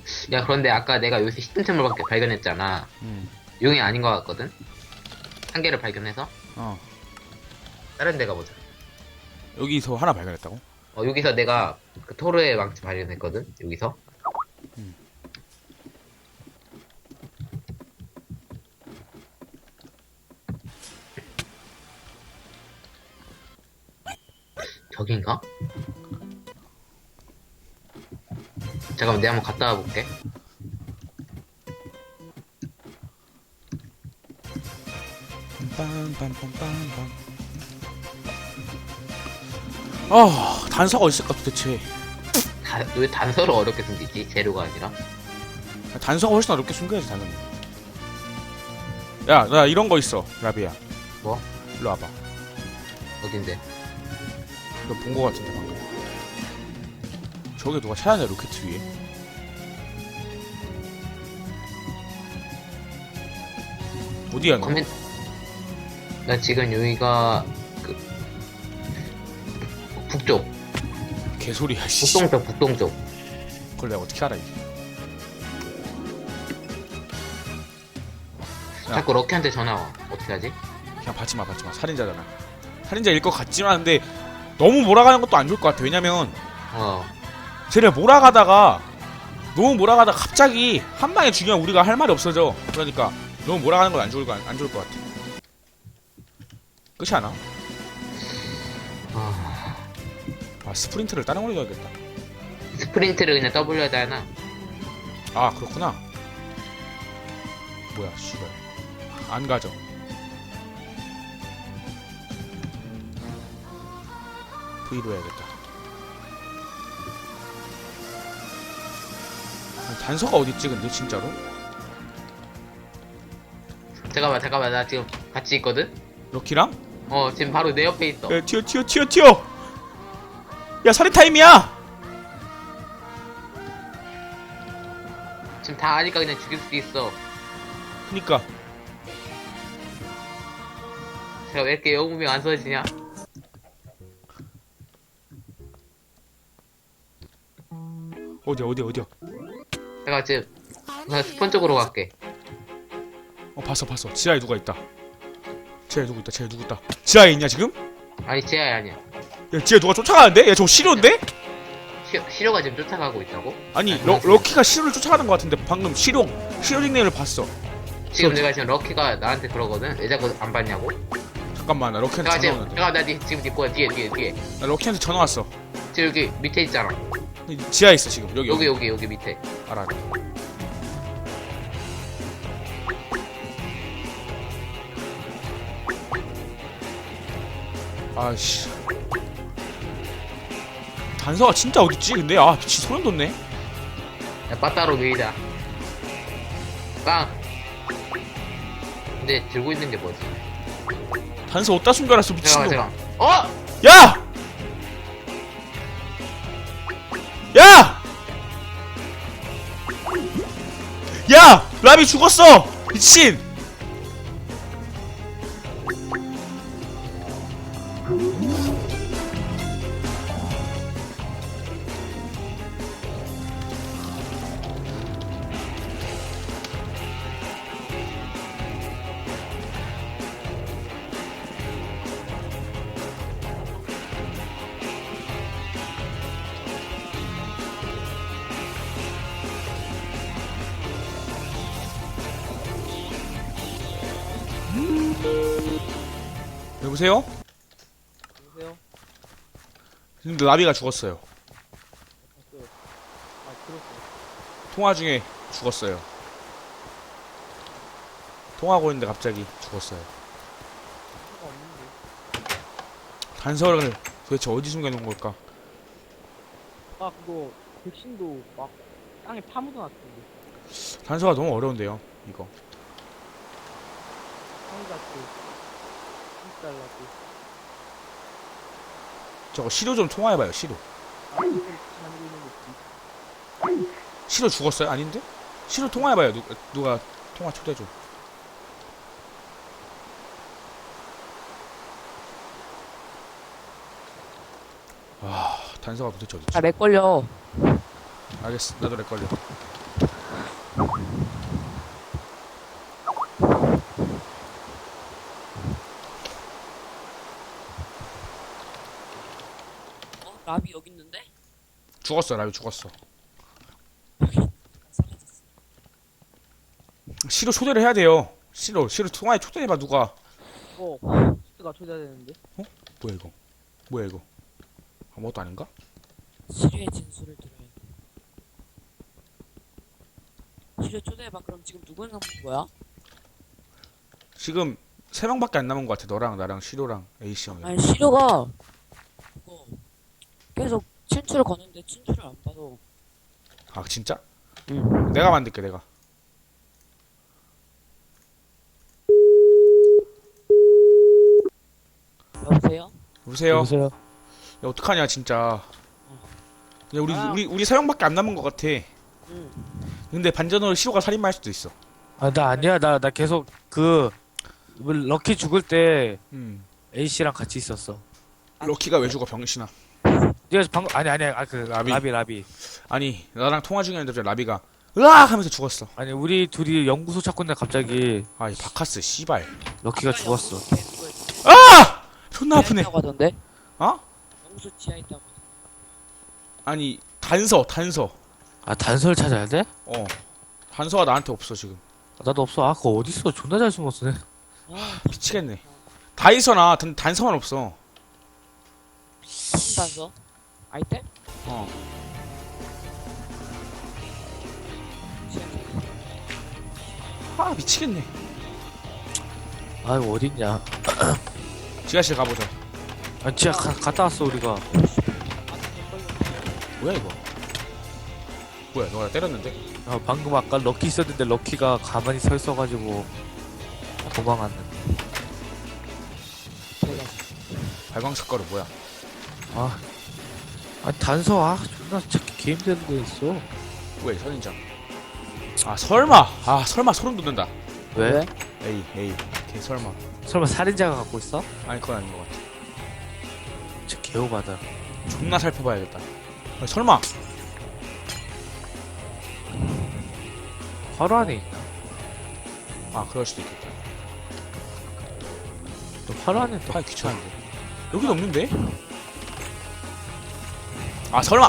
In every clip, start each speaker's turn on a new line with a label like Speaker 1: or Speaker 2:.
Speaker 1: 야, 그런데 아까 내가 여기서 히든템을 발견했잖아. 용이 아닌 것 같거든? 한 개를 발견해서?
Speaker 2: 어.
Speaker 1: 다른 데 가보자.
Speaker 2: 여기서 하나 발견했다고?
Speaker 1: 여기서 내가 그 토르의 망치 발견했거든? 여기서. 저긴가? 잠깐만, 내가 한번 갔다 와볼게.
Speaker 2: 빰빰빰빰빰. 아, 단서가 어딨을까 도대체?
Speaker 1: 왜 단서를 어렵게 숨기지? 재료가 아니라?
Speaker 2: 단서가 훨씬 어렵게 숨겨야지 당연히. 야, 나 이런 거 있어, 라비야.
Speaker 1: 뭐?
Speaker 2: 일로 와봐.
Speaker 1: 어딘데?
Speaker 2: 너 본 거 같은데 방금. 저게 누가 찾았냐 로켓 위에? 어디야 너?
Speaker 1: 나 지금 여기가 그 북쪽,
Speaker 2: 개소리야 씨.
Speaker 1: 북동쪽.
Speaker 2: 그걸 내가 어떻게 알아 이게? 야.
Speaker 1: 자꾸 럭키한테 전화 와. 어떻게 하지?
Speaker 2: 그냥 받지마. 살인자잖아. 살인자일 것 같지만 근데 너무 몰아가는 것도 안 좋을 것 같아. 왜냐면 쟤네 몰아가다가 너무 몰아가다가 갑자기 한 방에 죽이면 우리가 할 말이 없어져. 그러니까 너무 몰아가는 건 안 좋을 것 같아. 끝이 않아? 스프린트를 다른 걸로 해야겠다.
Speaker 1: 스프린트를 그냥 W에다 하나?
Speaker 2: 아 그렇구나. 뭐야 씨발 안 가져. V로 해야겠다. 단서가 어딨지 근데 진짜로?
Speaker 1: 잠깐만, 나 지금 같이 있거든?
Speaker 2: 럭키랑?
Speaker 1: 지금 바로 내 옆에 있어.
Speaker 2: 야 튀어. 야 살인 타임이야.
Speaker 1: 지금 다 아니까 그냥 죽일 수 있어.
Speaker 2: 그니까
Speaker 1: 제가 왜 이렇게 영웅명 안 써지냐?
Speaker 2: 어디야?
Speaker 1: 내가 지금 나 스폰 쪽으로 갈게.
Speaker 2: 봤어. 지하에 누가 있다. 지하에 누구 있다. 지하에 있냐 지금?
Speaker 1: 아니, 지하야 아니야.
Speaker 2: 야 지하에 누가 쫓아가는데? 야 저거 시료인데?
Speaker 1: 시로가 지금 쫓아가고 있다고?
Speaker 2: 아니 럭키가 시료를 쫓아가는 것 같은데 방금 시료 닉네임을 봤어.
Speaker 1: 지금 내가 지금 럭키가 나한테 그러거든? 왜 자꾸 안 봤냐고?
Speaker 2: 잠깐만 나 럭키한테 전화 오는데.
Speaker 1: 지금 네 거야. 뒤에.
Speaker 2: 나 럭키한테 전화 왔어.
Speaker 1: 지금 여기 밑에 있잖아.
Speaker 2: 지하에 있어 지금.
Speaker 1: 여기 밑에.
Speaker 2: 알아. 아씨. 단서가 진짜 어딨지 근데? 아 미치 소름 돋네.
Speaker 1: 야, 빠따로 밀자. 빵! 근데 들고 있는 게 뭐지?
Speaker 2: 단서 어디다 숨겨놨어 미친놈.
Speaker 1: 잠깐만.
Speaker 2: 야! 야! 라비 죽었어! 미친! 여보세요?
Speaker 3: 여보세요?
Speaker 2: 근데 라비가 죽었어요.
Speaker 3: 들었어요.
Speaker 2: 통화 중에 죽었어요. 통화하고 있는데 갑자기 죽었어요.
Speaker 3: 수가 없는데.
Speaker 2: 단서를 도대체 어디 숨겨놓은 걸까?
Speaker 3: 그거 백신도 막 땅에 파묻어놨던데.
Speaker 2: 단서가 너무 어려운데요, 이거.
Speaker 3: 상자도 $1.
Speaker 2: 저거 시로 좀 통화해봐요, 시로.
Speaker 3: 만들고 있는 거지.
Speaker 2: 시로 죽었어요? 아닌데? 시로 통화해봐요, 누가 통화 초대 좀. 단서가 도대체 어딨지?
Speaker 4: 렉 걸려.
Speaker 2: 알겠어, 나도 렉 걸려.
Speaker 4: 라비 여기 있는데?
Speaker 2: 죽었어. 라비 죽었어. 시로 초대를 해야 돼요. 시로 통화에 초대해봐 누가.
Speaker 3: 스가 초대해야 되는데.
Speaker 2: 뭐야 이거? 뭐야 이거? 아무것도 아닌가?
Speaker 4: 시류의 진술을 들어야 돼. 시류 초대해봐. 그럼 지금 누구 남은 거야?
Speaker 2: 지금 3명밖에 안 남은 것 같아. 너랑 나랑 시로랑 A씨 형이.
Speaker 4: 아니 시류가 그거 계속 친추를 거는데 친추를 안 받아.
Speaker 2: 아 진짜?
Speaker 4: 응.
Speaker 2: 내가 만들게 내가.
Speaker 4: 여보세요?
Speaker 2: 여보세요?
Speaker 3: 여보세요.
Speaker 2: 야, 어떡하냐 진짜. 야, 우리 3명밖에 안 남은 것 같아.
Speaker 4: 응.
Speaker 2: 근데 반전으로 시로가 살인마 할 수도 있어.
Speaker 5: 아, 나 아니야. 나 계속 럭키 죽을 때 A씨랑 같이 있었어.
Speaker 2: 럭키가 왜 죽어 병신아.
Speaker 5: 네가 방금, 아니,
Speaker 2: 라비.
Speaker 5: 라비.
Speaker 2: 아니 나랑 통화 중이었는데 라비가 으악 하면서 죽었어.
Speaker 5: 아니, 우리 둘이 연구소 찾고 있는데 갑자기
Speaker 2: 아이 바카스 씨발.
Speaker 5: 럭키가 죽었어.
Speaker 2: 아! 존나 아프네.
Speaker 4: 있다고 하던데?
Speaker 2: 어?
Speaker 4: 영수 지하 있다고.
Speaker 2: 아니 단서.
Speaker 5: 아, 단서를 찾아야 돼?
Speaker 2: 단서가 나한테 없어 지금.
Speaker 5: 나도 없어. 아, 그거 어딨어? 존나 잘 숨었어.
Speaker 2: 미치겠네. 다 있어나 단서만 없어.
Speaker 4: 무슨 단서? 아이템?
Speaker 2: 아 미치겠네.
Speaker 5: 아, 이거 어딨냐.
Speaker 2: 지하실 가보자.
Speaker 5: 아, 진짜 갔다 왔어, 우리가.
Speaker 2: 뭐야 이거? 뭐야 너가 나 때렸는데?
Speaker 5: 아, 방금 아까 럭키 있었는데 럭키가 가만히 서 있어가지고 도망갔는데.
Speaker 2: 발광 색깔이 뭐야?
Speaker 5: 아, 아니, 단서, 존나 찾기 개 힘든 데 있어.
Speaker 2: 왜 선인장? 아 설마 소름 돋는다.
Speaker 5: 왜?
Speaker 2: 에이 걔 설마.
Speaker 5: 설마 살인자가 갖고 있어?
Speaker 2: 아니 그건 아닌 것 같아.
Speaker 5: 진짜 개오바다.
Speaker 2: 존나 살펴봐야겠다. 아니, 설마
Speaker 5: 바로 안에 있나?
Speaker 2: 아 그럴 수도 있겠다.
Speaker 5: 또 바로 안에 또.
Speaker 2: 아 귀찮은데. 여기도 없는데? 아 설마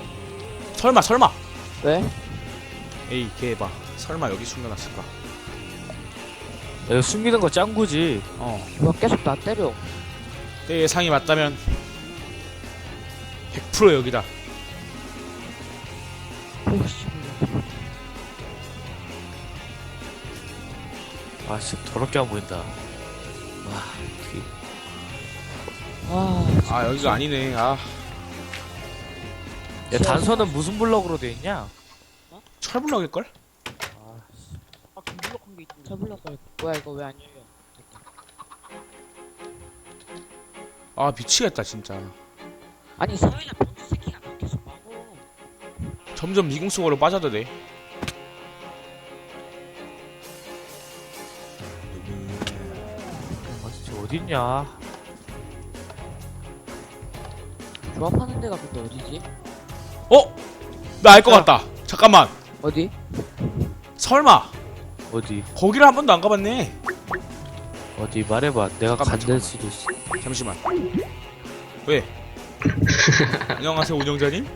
Speaker 4: 왜?
Speaker 2: 에이 걔 봐. 설마 여기 숨겨놨을까?
Speaker 5: 이거 숨기는 거 짱구지.
Speaker 4: 이거 계속 나 때려.
Speaker 2: 내 예상이 맞다면 100% 여기다.
Speaker 4: 오씨.
Speaker 5: 아, 진짜 더럽게 안 보인다. 와, 어떻게.
Speaker 4: 아,
Speaker 2: 아 여기가 아니네. 아
Speaker 5: 야, 단서는 무슨 블럭으로 돼 있냐?
Speaker 2: 철블럭일걸?
Speaker 3: 금블럭한 게 있던데.
Speaker 4: 저블럭을 뭐야 이거 왜 안 열려?
Speaker 2: 아 미치겠다 진짜.
Speaker 4: 아니 서윤아 병수 새끼가 나 계속 막어.
Speaker 2: 점점 미궁 속으로 빠져드네.
Speaker 5: 아, 진짜 어딨냐?
Speaker 4: 조합하는 데가 근데 어디지?
Speaker 2: 나 알 것 같다. 잠깐만.
Speaker 4: 어디?
Speaker 2: 설마
Speaker 5: 어디?
Speaker 2: 거기를 한 번도 안 가봤네.
Speaker 5: 어디 말해봐. 내가
Speaker 2: 잠깐만,
Speaker 5: 간될 수도 있어.
Speaker 2: 잠시만. 왜? 안녕하세요 운영자님.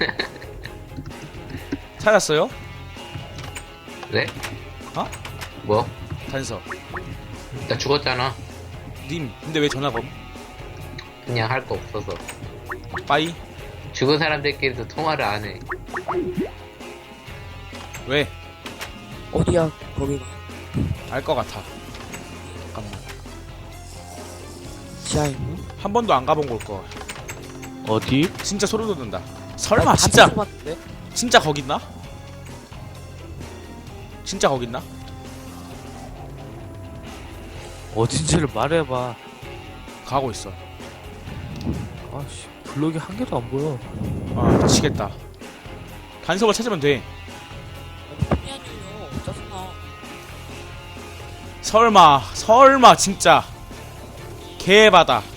Speaker 2: 찾았어요?
Speaker 1: 네?
Speaker 2: 어?
Speaker 1: 뭐?
Speaker 2: 단서.
Speaker 1: 나 죽었잖아.
Speaker 2: 님 근데 왜 전화가 없?
Speaker 1: 그냥 할 거 없어서.
Speaker 2: 빠이?
Speaker 1: 죽은 사람들끼리도 통화를 안 해.
Speaker 2: 왜?
Speaker 4: 어디야 거기가?
Speaker 2: 알 것 같아. 잠깐만.
Speaker 4: 지하에 있나?
Speaker 2: 한 번도 안 가본 걸 거.
Speaker 5: 어디?
Speaker 2: 진짜 소름 돋는다. 설마 진짜
Speaker 4: 봤는데?
Speaker 2: 진짜 거기 있나? 진짜 거기 있나?
Speaker 5: 어딘지를 말해봐.
Speaker 2: 가고 있어.
Speaker 5: 아씨, 블럭이 한 개도 안 보여.
Speaker 2: 아 미치겠다. 단서를 찾으면 돼.
Speaker 4: 폰이 안 열려. 짜증나.
Speaker 2: 설마 진짜 개바다.